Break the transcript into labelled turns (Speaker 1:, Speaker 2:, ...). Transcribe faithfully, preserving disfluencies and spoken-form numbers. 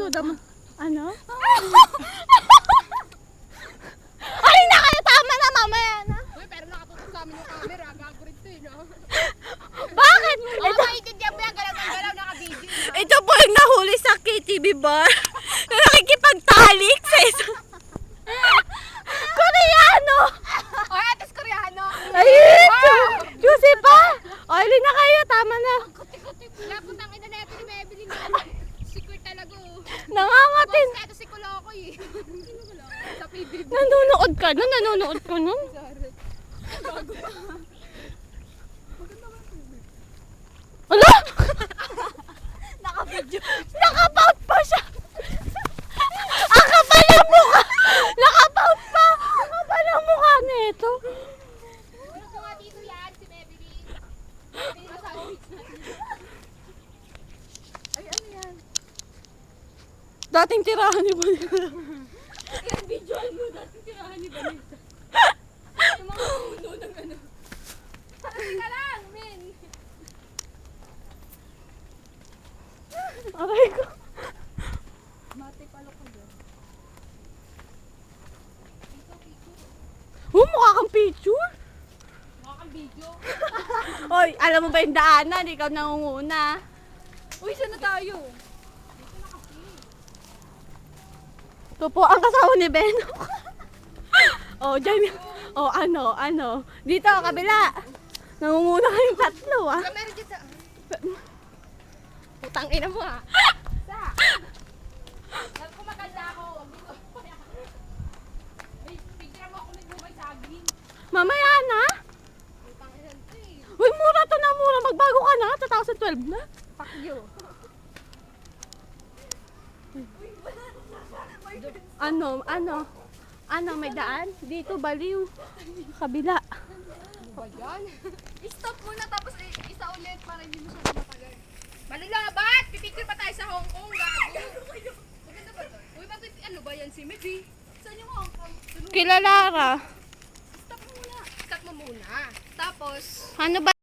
Speaker 1: Pinapanood mo. Ano? Ay, na kayo! Tama na, mamaya na.
Speaker 2: Uy, pero nakatutok sa amin yung camera. Gago rin to eh, no?
Speaker 1: Bakit?
Speaker 2: Oo,
Speaker 1: Ito,
Speaker 2: maintindihan mo yan. Galaw ng galaw, naka-video.
Speaker 1: ito po yung nahuli sa K T V bar. Na nakikipagtalik sa isang... Koreano!
Speaker 2: O, atas koreano.
Speaker 1: Ay, Yusi pa! Oily na kayo, tama na.
Speaker 2: Wala, putang ina na ito ni Maybelline. Secret talaga, oh.
Speaker 1: Nangangatin.
Speaker 2: Boss, ito si Kulokoy. Sino Kulokoy? Sa P B B.
Speaker 1: Nanonood ka nun? Nanonood ka nun? Ala!
Speaker 2: Naka-video.
Speaker 1: Nakapout pa siya! Ang kapal ang mukha! Nakapout pa! Ang kapal ang mukha nito.
Speaker 2: Ano ko nga dito yan, si Maybelline. Maybelline na sandwich na. Ay, ano yan?
Speaker 1: Dating tirahan ni Vanessa.
Speaker 2: Yan, videoan mo. Dating tirahan ni Vanessa. Yung mga uno ng ano. Parang ka lang, men.
Speaker 1: Aray ko.
Speaker 2: Mate palo ko dyan.
Speaker 1: Oh, mukha kang picture.
Speaker 2: Mukha kang video.
Speaker 1: Hoy, alam mo ba yung daanan? Ikaw nangunguna.
Speaker 2: Uy, saan na tayo?
Speaker 1: Ito po ang kasama ni Beno. Oh, dyan. Oh, ano, ano. Dito, kabila. Nangunguna kayong tatlo, ah.
Speaker 2: Kamera dyan sa... Putang ina mo, ha? Sa? Alam ko maganda ako. May picture mo ako nagbumay sa agin.
Speaker 1: Mamaya na.
Speaker 2: Putang ina to eh.
Speaker 1: Uy, mura to na mura. Magbago ka na. twenty twelve na.
Speaker 2: Fuck you.
Speaker 1: Ano, ano? Ano, may daan? Dito, baliw. Kabila.
Speaker 2: Ano ba yan? I-stop muna tapos i- isa ulit para hindi mo siya matagal. Malalabat! Pipicture pa tayo sa Hong Kong, gago! Maganda ba to? Uy, bakit ano ba yan si Medi? Saan yung Hong Kong?
Speaker 1: Kilalara.
Speaker 2: Stop mo muna. Stop mo muna. Tapos,
Speaker 1: Ano ba?